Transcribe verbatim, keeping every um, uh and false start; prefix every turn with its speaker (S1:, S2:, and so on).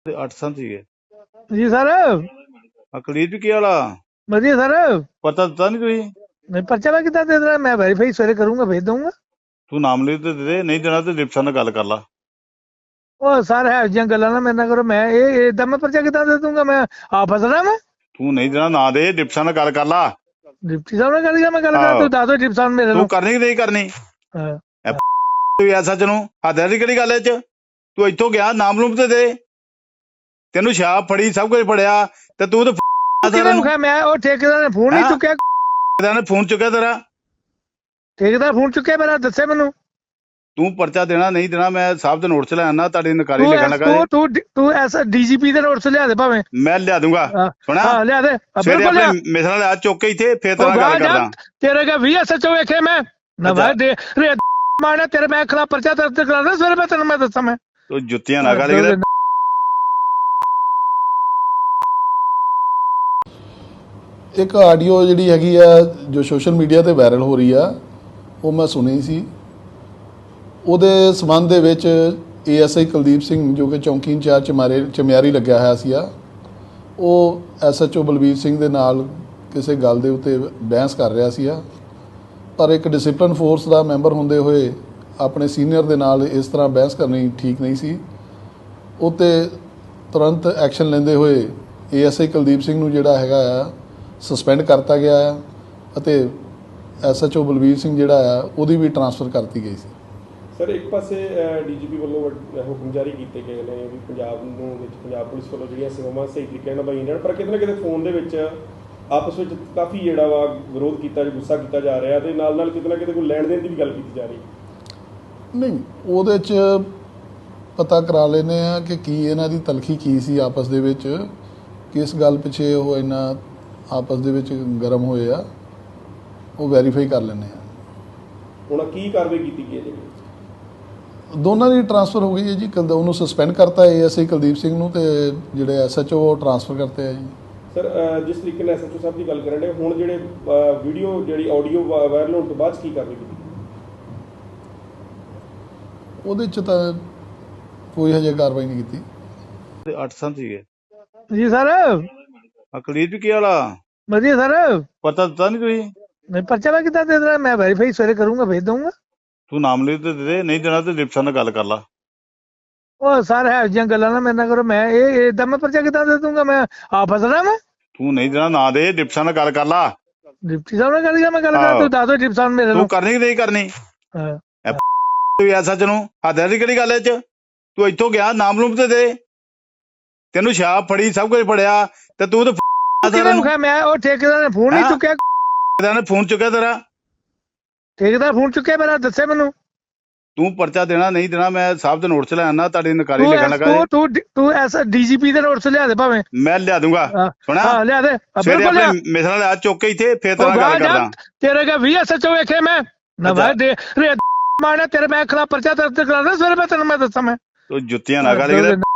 S1: ਤੇ ਅੱਠ ਸਾਲ ਸੀਗੇ।
S2: ਜੀ ਸਰ।
S1: ਅਕਲੀਰ ਵੀ ਕੀ ਵਾਲਾ
S2: ਵਧੀਆ ਸਰ।
S1: ਪਤਾ ਦਿੱਤਾ ਨਹੀਂ ਤੁਸੀਂ?
S2: ਮੈਂ ਪਰਚਾ ਮੈਂ ਕਿੱਦਾਂ ਦੇ ਦੇਣਾ? ਮੈਂ ਵੈਰੀਫਾਈ ਸਵੇਰੇ ਕਰੂੰਗਾ, ਭੇਜ ਦਊਂਗਾ।
S1: ਤੂੰ ਨਾਮ ਲਿਖ ਤੇ ਦੇ ਦੇ, ਨਹੀਂ ਦੇਣਾ ਤੇ ਡਿਪਟੀ ਨਾਲ ਗੱਲ ਕਰ ਲਾ।
S2: ਉਹ ਸਰ ਹੈ ਜਿਹੀਆਂ ਗੱਲਾਂ ਨਾ ਮੇਰੇ ਨਾਲ ਕਰੋ। ਮੈਂ ਇਹ ਏਦਾਂ ਮੈਂ ਪਰਚਾ ਕਿੱਦਾਂ ਦੇ ਦੂੰਗਾ? ਮੈਂ ਆ ਫਸਣਾ ਮੈਂ।
S1: ਤੂੰ ਨਹੀਂ ਦੇਣਾ ਨਾ ਦੇ, ਡਿਪਟੀ ਨਾਲ ਗੱਲ ਕਰ ਲਾ।
S2: ਡਿਪਟੀ ਸਾਹਿਬ ਨਾਲ ਗੱਲ ਕਰ, ਮੈਂ ਗੱਲ ਕਰਾਂ?
S1: ਆਹੋ
S2: ਤੂੰ ਦੱਸ ਦੋ ਡਿਪਟੀ ਸਾਹਿਬ ਮੇਰੇ
S1: ਤੂੰ
S2: ਨੂੰ।
S1: ਕਰਨੀ ਕਿ ਨਹੀਂ ਕਰਨੀ?
S2: ਹਾਂ।
S1: ਤੂੰ ਐਸਾ ਚ ਨੂੰ ਹੱਥ ਦੀ ਕਿਹੜੀ ਗੱਲ ਐ ਚ? ਤੂੰ ਇੱਥੋਂ ਗਿਆ ਨਾਮ ਲੂਮ ਤੇ ਦੇ, ਤੈਨੂੰ ਸ਼ਾਪ ਫੜੀ ਸਭ ਕੁਝ ਫੜਿਆ ਤੇ ਤੂੰ ਤੇ
S2: ਕਿਹਨੇ ਵਿਖਾਇਆ? ਮੈਂ ਉਹ ਠੇਕੇਦਾਰ ਨੇ ਫੋਨ ਨਹੀਂ ਚੁੱਕਿਆ।
S1: ਨੇ ਫੋਨ ਚੁੱਕਿਆ ਤੇਰਾ?
S2: ਠੇਕੇਦਾਰ ਫੋਨ ਚੁੱਕਿਆ ਮੇਰਾ? ਦੱਸੇ ਮੈਨੂੰ।
S1: ਤੂੰ ਪਰਚਾ ਦੇਣਾ ਨਹੀਂ ਦੇਣਾ, ਮੈਂ ਸਾਹਿਬ ਦੇ ਨੋਟ ਚ ਲੈ ਆਣਾ, ਤੁਹਾਡੀ ਨਕਾਰੀ
S2: ਤੂੰ
S1: ਲਿਖਣ
S2: ਐਸ
S1: ਲੱਗਾ
S2: ਤੂੰ
S1: ਜੀ।
S2: ਤੂੰ ਤੂੰ ਐਸ ਡੀਜੀਪੀ ਦੇ ਨੋਟਸ ਲਿਆ ਦੇ ਭਾਵੇਂ।
S1: ਮੈਂ ਲਿਆ ਦੂੰਗਾ। ਸੁਣਾ,
S2: ਹਾਂ ਲਿਆ ਦੇ,
S1: ਸਵੇਰੇ
S2: ਬਿਲਕੁਲ
S1: ਆਪਣੇ
S2: ਲਿਆ।
S1: ਮਿਸਰਾਂ ਲਿਆ ਚੁੱਕ ਕੇ ਇੱਥੇ, ਫੇਰ ਤੇਰਾ ਗੱਲ ਕਰਦਾ।
S2: ਤੇਰੇ ਕਾ ਵੀ ਐਸਐਚਓ ਵੇਖੇ ਮੈਂ ਨਾ ਭਾਈ ਦੇ ਰੇ ਮਾਰਨਾ ਤੇਰੇ। ਮੈਂ ਖਿਲਾਫ ਪਰਚਾ ਦਰਜ ਕਰਾਣਾ ਸਵੇਰੇ, ਮੈਂ ਤੈਨੂੰ ਮੈਂ ਦੱਸਾਂ। ਮੈਂ
S1: ਤੂੰ ਜੁੱਤੀਆਂ ਨਾ ਕਰ ਕਿਤੇ।
S3: ਇੱਕ ਆਡੀਓ ਜਿਹੜੀ ਹੈਗੀ ਆ ਜੋ ਸੋਸ਼ਲ ਮੀਡੀਆ ਤੇ ਵਾਇਰਲ ਹੋ ਰਹੀ ਆ, ਉਹ ਮੈਂ ਸੁਣੀ ਸੀ। ਉਹਦੇ ਸੰਬੰਧ ਦੇ ਵਿੱਚ ਏਐਸਆਈ ਕੁਲਦੀਪ ਸਿੰਘ ਜੋ ਕਿ ਚੌਂਕੀ ਇੰਚਾਰਜ ਚਮਾਰੇ ਚਮਿਆਰੀ ਲੱਗਿਆ ਹੋਇਆ ਸੀ ਆ, ਉਹ ਐਸਐਚਓ ਬਲਬੀਰ ਸਿੰਘ ਦੇ ਨਾਲ ਕਿਸੇ ਗੱਲ ਦੇ ਉੱਤੇ ਬਹਿਸ ਕਰ ਰਿਹਾ ਸੀ ਆ। ਪਰ ਇੱਕ ਡਿਸਪਲਿਨ ਫੋਰਸ ਦਾ ਮੈਂਬਰ ਹੁੰਦੇ ਹੋਏ ਆਪਣੇ ਸੀਨੀਅਰ ਦੇ ਨਾਲ ਇਸ ਤਰ੍ਹਾਂ ਬਹਿਸ ਕਰਨੀ ਠੀਕ ਨਹੀਂ ਸੀ। ਉੱਤੇ ਤੁਰੰਤ ਐਕਸ਼ਨ ਲੈਂਦੇ ਹੋਏ ਏਐਸਆਈ ਕੁਲਦੀਪ ਸਿੰਘ ਨੂੰ ਜਿਹੜਾ ਹੈਗਾ ਆ ਸਸਪੈਂਡ ਕਰਤਾ ਗਿਆ ਆ ਅਤੇ ਐਸਐਚਓ ਬਲਬੀਰ ਸਿੰਘ ਜਿਹੜਾ ਆ ਉਹਦੀ ਵੀ ਟਰਾਂਸਫਰ ਕਰਤੀ ਗਈ ਸੀ।
S4: ਸਰ, ਇੱਕ ਪਾਸੇ ਡੀਜੀਪੀ ਵੱਲੋਂ ਹੁਕਮ ਜਾਰੀ ਕੀਤੇ ਗਏ ਨੇ ਵੀ ਪੰਜਾਬ ਨੂੰ ਵਿੱਚ ਪੰਜਾਬ ਪੁਲਿਸ ਵੱਲੋਂ ਜਿਹੜੀਆਂ ਸੇਵਾਵਾਂ ਸਹੀ ਤਰੀਕੇ ਨਾਲ ਨਿਭਾਈਆਂ ਜਾਣ, ਪਰ ਕਿਤੇ ਨਾ ਕਿਤੇ ਫੋਨ ਦੇ ਵਿੱਚ ਆਪਸ ਵਿੱਚ ਕਾਫੀ ਜਿਹੜਾ ਵਾ ਵਿਰੋਧ ਕੀਤਾ, ਗੁੱਸਾ ਕੀਤਾ ਜਾ ਰਿਹਾ ਤੇ ਨਾਲ ਨਾਲ ਕਿਤੇ ਨਾ ਕਿਤੇ ਕੋਈ ਲੈਣ ਦੇਣ ਦੀ ਵੀ ਗੱਲ ਕੀਤੀ ਜਾ ਰਹੀ।
S3: ਨਹੀਂ, ਉਹਦੇ 'ਚ ਪਤਾ ਕਰਾ ਲੈਂਦੇ ਆ ਕਿ ਕੀ ਇਹਨਾਂ ਦੀ ਤਲਖੀ ਕੀ ਸੀ ਆਪਸ ਦੇ ਵਿੱਚ, ਕਿਸ ਗੱਲ ਪਿੱਛੇ ਉਹ ਇੰਨਾ ਆਪਸ ਦੇ ਵਿੱਚ ਗਰਮ ਹੋਏ ਆ, ਉਹ ਵੈਰੀਫਾਈ ਕਰ ਲੈਂਦੇ ਆ।
S4: ਹੁਣ ਕੀ ਕਾਰਵਾਈ ਕੀਤੀ ਗਈ ਹੈ ਜੀ?
S3: ਦੋਨਾਂ ਦੀ ਟਰਾਂਸਫਰ ਹੋ ਗਈ ਹੈ ਜੀ। ਕਲ ਉਹਨੂੰ ਸਸਪੈਂਡ ਕਰਤਾ ਏਐਸਆਈ ਕੁਲਦੀਪ ਸਿੰਘ ਨੂੰ, ਤੇ ਜਿਹੜੇ ਐਸਐਚਓ ਉਹ ਟਰਾਂਸਫਰ ਕਰਤੇ ਆ ਜੀ।
S4: ਸਰ, ਜਿਸ ਤਰੀਕੇ ਨਾਲ ਐਸਐਚਓ ਸਾਹਿਬ ਦੀ ਗੱਲ ਕਰਨ ਦੇ, ਹੁਣ ਜਿਹੜੇ ਵੀਡੀਓ ਜਿਹੜੀ ਆਡੀਓ ਵਾਇਰਲ ਹੋਣ ਤੋਂ ਬਾਅਦ ਕੀ ਕਾਰਵਾਈ ਕੀਤੀ?
S3: ਉਹਦੇ 'ਚ ਤਾਂ ਕੋਈ ਹਜੇ ਕਾਰਵਾਈ ਨਹੀਂ ਕੀਤੀ।
S1: ਤੇ ਅੱਠ ਸਾਲ ਸੀਗੇ।
S2: ਜੀ ਸਰ।
S1: ਅਕਲੀਰ ਵੀ ਕੀ ਵਾਲਾ
S2: ਵਧੀਆ ਸਰ।
S1: ਪਤਾ ਦਿੱਤਾ ਨਹੀਂ ਤੁਸੀਂ?
S2: ਮੈਂ ਪਰਚਾ ਮੈਂ ਕਿੱਦਾਂ ਦੇ ਦੇਣਾ? ਮੈਂ ਵੈਰੀਫਾਈ ਸਵੇਰੇ ਕਰੂੰਗਾ, ਭੇਜ ਦਊਂਗਾ।
S1: ਤੂੰ ਨਾਮ ਲਿਖ ਤੇ ਦੇ ਦੇ, ਨਹੀਂ ਦੇਣਾ ਤੇ ਡਿਪਟੀ ਨਾਲ ਗੱਲ ਕਰ ਲਾ।
S2: ਉਹ ਸਰ ਹੈ ਜਿਹੀਆਂ ਗੱਲਾਂ ਨਾ ਮੇਰੇ ਨਾਲ ਕਰੋ। ਮੈਂ ਇਹ ਏਦਾਂ ਮੈਂ ਪਰਚਾ ਕਿੱਦਾਂ ਦੇ ਦੂੰਗਾ? ਮੈਂ ਆ ਫਸਣਾ ਮੈਂ।
S1: ਤੂੰ ਨਹੀਂ ਦੇਣਾ ਨਾ ਦੇ, ਡਿਪਟੀ ਨਾਲ ਗੱਲ ਕਰ ਲਾ।
S2: ਡਿਪਟੀ ਸਾਹਿਬ ਨਾਲ ਗੱਲ ਕਰ, ਮੈਂ ਗੱਲ ਕਰਾਂ? ਤੂੰ ਦੱਸ ਦੋ ਡਿਪਟੀ ਸਾਹਿਬ ਮੇਰੇ
S1: ਤੂੰ
S2: ਨੂੰ।
S1: ਕਰਨੀ ਕਿ ਨਹੀਂ ਕਰਨੀ?
S2: ਹਾਂ।
S1: ਤੂੰ ਐਸਾ ਚ ਨੂੰ ਹੱਥ ਦੀ ਕਿਹੜੀ ਗੱਲ ਐ ਚ? ਤੂੰ ਇੱਥੋਂ ਗਿਆ ਨਾਮ ਲੂਮ ਤੇ ਦੇ, ਤੈਨੂੰ ਸ਼ਾਪ ਫੜੀ ਸਭ ਕੁਝ ਫੜਿਆ ਤੇ ਤੂੰ ਤੇ
S2: ਕਿਹਨੇ ਵਿਖਾਇਆ? ਮੈਂ ਉਹ ਠੇਕੇਦਾਰ ਨੇ ਫੋਨ ਨਹੀਂ ਚੁੱਕਿਆ।
S1: ਨੇ ਫੋਨ ਚੁੱਕਿਆ ਤੇਰਾ?
S2: ਠੇਕੇਦਾਰ ਫੋਨ ਚੁੱਕਿਆ ਮੇਰਾ? ਦੱਸੇ ਮੈਨੂੰ।
S1: ਤੂੰ ਪਰਚਾ ਦੇਣਾ ਨਹੀਂ ਦੇਣਾ, ਮੈਂ ਸਾਹਿਬ ਦੇ ਨੋਟ ਚ ਲੈ ਆਣਾ, ਤੁਹਾਡੀ ਨਕਾਰੀ
S2: ਤੂੰ
S1: ਲਿਖਣ
S2: ਐਸ
S1: ਲੱਗਾ
S2: ਤੂੰ
S1: ਜੀ।
S2: ਤੂੰ ਤੂੰ ਐਸ ਡੀਜੀਪੀ ਦੇ ਨੋਟਸ ਲਿਆ ਦੇ ਭਾਵੇਂ।
S1: ਮੈਂ ਲਿਆ ਦੂੰਗਾ। ਸੁਣਾ,
S2: ਹਾਂ ਲਿਆ ਦੇ,
S1: ਸਵੇਰੇ
S2: ਬਿਲਕੁਲ ਲਿਆ।
S1: ਆਪਣੇ ਮਿਸਰਾਂ ਲਿਆ ਚੁੱਕ ਕੇ ਇੱਥੇ, ਫੇਰ ਤੇਰਾ ਗੱਲ ਕਰਦਾ।
S2: ਤੇਰੇ ਕਾ ਵੀ ਐਸਐਚਓ ਵੇਖੇ ਮੈਂ ਨਾ ਭਾਈ ਦੇ ਰੇ ਮਾਰਨਾ ਤੇਰੇ। ਮੈਂ ਖਿਲਾਫ ਪਰਚਾ ਦਰਜ ਕਰਾਣਾ ਸਵੇਰੇ, ਮੈਂ ਤੈਨੂੰ ਮੈਂ ਦੱਸਾਂ। ਮੈਂ
S1: ਤੂੰ ਜੁੱਤੀਆਂ ਨਾ ਕਰ ਕਿਤੇ।